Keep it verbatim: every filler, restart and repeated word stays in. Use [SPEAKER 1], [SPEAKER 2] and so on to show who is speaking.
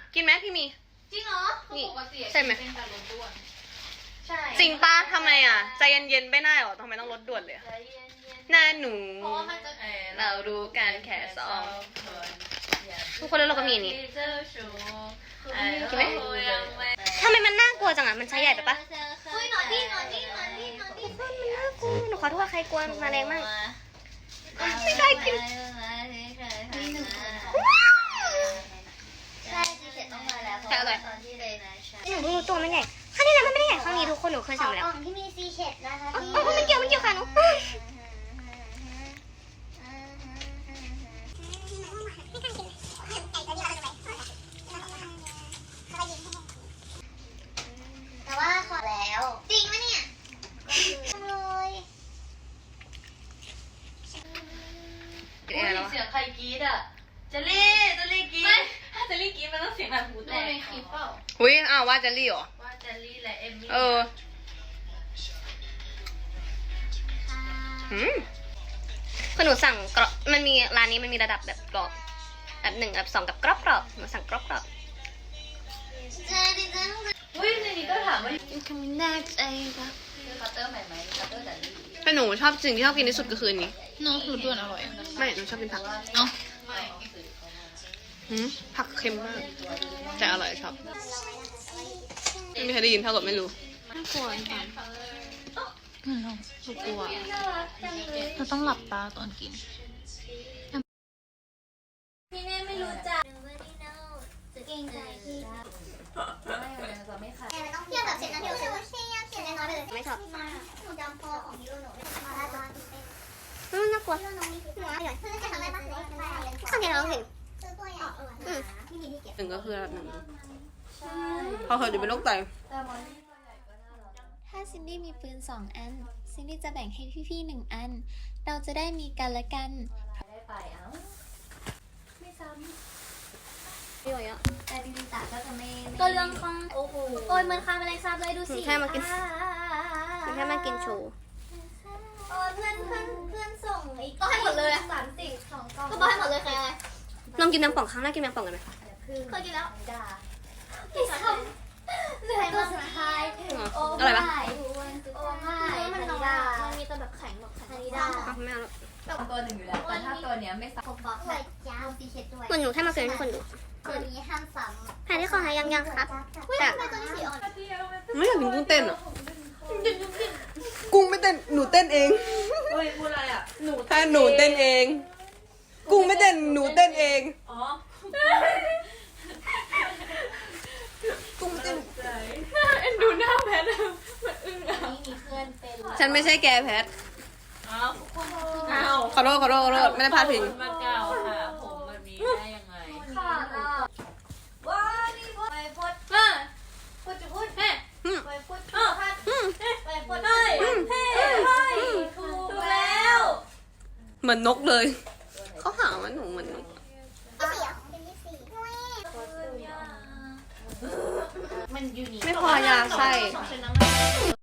[SPEAKER 1] กินไหมพี่มี
[SPEAKER 2] จริงเหรอนี่
[SPEAKER 1] ใช่ไหม
[SPEAKER 2] ใช่
[SPEAKER 1] จริงป้าทำไมอ่ะใจเย็นๆไม่ได้หรอทำไมต้องลดด่วนเลยหน้าหนูเรารู้กันแค่สองทุกคนแล้วเราก็มีนี่กินไหมทำไมมันน่ากลัวจังอ่ะมันใช้ใหญ่ไปปะ
[SPEAKER 2] อุ้ยหนอนนี่หนอนนี่หนอนนี่หนอนนี่
[SPEAKER 1] มันน่ากลัวหนูขอโทษใครกลัวมาแรงมากไม่ได้กิน
[SPEAKER 2] ใช่ซีเข็ดต้องมาแล้วเพราะตอนที่เลยนะใช่
[SPEAKER 1] หนูเพิ่งรู้ตัวมันใหญ่ข้างนี้แหละมันไม่ได้ใหญ่ข้างนี้ทุกคนหนูเคยสั่งแล้ว
[SPEAKER 2] ของที่มีซีเข็ดนะคะพี่
[SPEAKER 1] อ๋อมันเกี่ยวมันเกี่ยวค่ะหนู
[SPEAKER 2] แต่ว่าขอแล้วจริงไหมเนี่ยเลย
[SPEAKER 3] เสียงใครกรี๊ดอ่ะเจลลี่เจลลี่กรี๊ดถ้าเจลลี่กรี๊ดมันต้องเสียงแบบหูแตกในคลิปเปล่า
[SPEAKER 1] อุ้ยอ้าวว่าเจลลี่เหรอ
[SPEAKER 3] ว่าเจลลี่และเอมมี่
[SPEAKER 1] เอออืมคือหนูสั่งกรอบมันมีร้านนี้มันมีระดับแบบกรอบแบบหนึ่งแบบสองกับกรอบกรอบหนูสั่งกรอบกรอบ
[SPEAKER 3] อุ้ยในนี้ก็ถามว่า
[SPEAKER 1] คำแน่ใจปะ
[SPEAKER 3] คือคัตเตอร์ใหม่ไหมคัตเตอร์แต่ลี่
[SPEAKER 1] แต่หนูชอบสิ่งที่ชอบกินที่สุดก็คือนี้
[SPEAKER 4] เนาะคือด้วนอร่อย
[SPEAKER 1] ไม่หนูชอบกินผัก
[SPEAKER 4] เอ้า
[SPEAKER 1] หืมผักเค็มมากแต่อร่อยชอบไม่มีใครได้ยินเท่ากับไม่รู้
[SPEAKER 4] น่ากลัวจังอืมเรากลัวเราต้องหลับตาตอนกิน
[SPEAKER 2] พี่เน่ไม่รู้จักเก่งใจพี่
[SPEAKER 3] ไม่เลยจะไม่ขาด
[SPEAKER 2] เทียบแบบเสร็จแล้วเดี๋ยวเทียบเสร็จน้อยไปเลย
[SPEAKER 1] ไม่ชอบ
[SPEAKER 2] หนูจำพอของฮีโร่หนูมาได้ตอน
[SPEAKER 1] อืมน่ากลัว
[SPEAKER 2] ฮีโร่น้องนี่หัวเดี๋ยวเพื่อนจะทำได้ปะ
[SPEAKER 1] ข้างในเราเห็น
[SPEAKER 2] ซื้อตัวใหญ่อืมที่มีที่เก็บ
[SPEAKER 1] หนึ่งก็คือระดับหนึ่งพอเคยอยู่เป็นโรคไต
[SPEAKER 5] ถ้าซินดี้มีปืนสองอันซินดี้จะแบ่งให้พี่ๆหนึ่งอันเราจะได้มีกันและกัน
[SPEAKER 3] ได้ไปเอ้าไม่ซ้ำ
[SPEAKER 1] พี่อ่ะ
[SPEAKER 2] แต่จริงๆตาก็จะไม่
[SPEAKER 5] ก็เรื่องของ
[SPEAKER 2] โอ้โห
[SPEAKER 5] โอ้ยมันคาแมลงสาบเลยดูสิ
[SPEAKER 1] แค่มากินแค่มากินโชว์
[SPEAKER 2] เออเพื่อนเพื่อนเพื่อนส่งอีกก็ให้หมดเลยสามสิบสองกล่องก็ให้หมดเลยใครอะไร
[SPEAKER 1] ลองกินแมงป่องครั้งแรกกินแมงป่องกันไหม
[SPEAKER 2] เคยกินแล้วด่าพี่ชอบเหนื่อยตัวสุดท้ายโอ้
[SPEAKER 1] อะไรปะ
[SPEAKER 2] โอ้ไม่มันน้อยมันมีแต่แบบแข็งแบบแข็งนี่ได้
[SPEAKER 1] ไม่เอาแล้ว
[SPEAKER 3] ตัวหนึ่งอยู่แล้วแต่ถ้าตัวเนี้ยไม่ซ้ำ
[SPEAKER 2] ผมบอกเลยจ้าซีเค็ดด้วย
[SPEAKER 1] เหมือนหนูแค่มาเกินให้คนดู
[SPEAKER 2] ตัวนี้ห้ามซ้ำ
[SPEAKER 1] แพ้ที่คอหายังยังครับ
[SPEAKER 2] แต่ทำไมตัวนี้สีอ่อน
[SPEAKER 1] ไม่อยากกินกุ้งเต้นอ่ะกุ้งไม่เต้นหนูเต้นเอง
[SPEAKER 3] เฮ้ยพูดอะไรอ่ะหนู
[SPEAKER 1] ถ้าหนูเต้นเองกุ้งไม่เต้นหนูเต้นเอง
[SPEAKER 3] อ๋อ
[SPEAKER 1] กุ้งไม่เต้น
[SPEAKER 3] เอ็นดูหน้าแพทมันอึ้งอ่ะ
[SPEAKER 2] นี่มีเพื่อนเป็น
[SPEAKER 1] ฉันไม่ใช่แกแพท
[SPEAKER 3] อ้าวอ้าว
[SPEAKER 1] ขอโทษขอโทษขอโทษไม่ได้พลาดพิง
[SPEAKER 3] มาเก่าค่ะผมมันมีได้ยังไง
[SPEAKER 2] ค่ะว้านี่พูดไปพูด
[SPEAKER 3] มา
[SPEAKER 2] พูดจะพูดเฮ้ไปพูดพูดพัดไปพูด
[SPEAKER 3] เฮ้ยเฮ้ยเฮ้ยถูกแล้ว
[SPEAKER 1] เหมือนนกเลยเขาหาว่าหนูเหมือนนก
[SPEAKER 2] มันยูนิ
[SPEAKER 1] ไม่พอยาใส่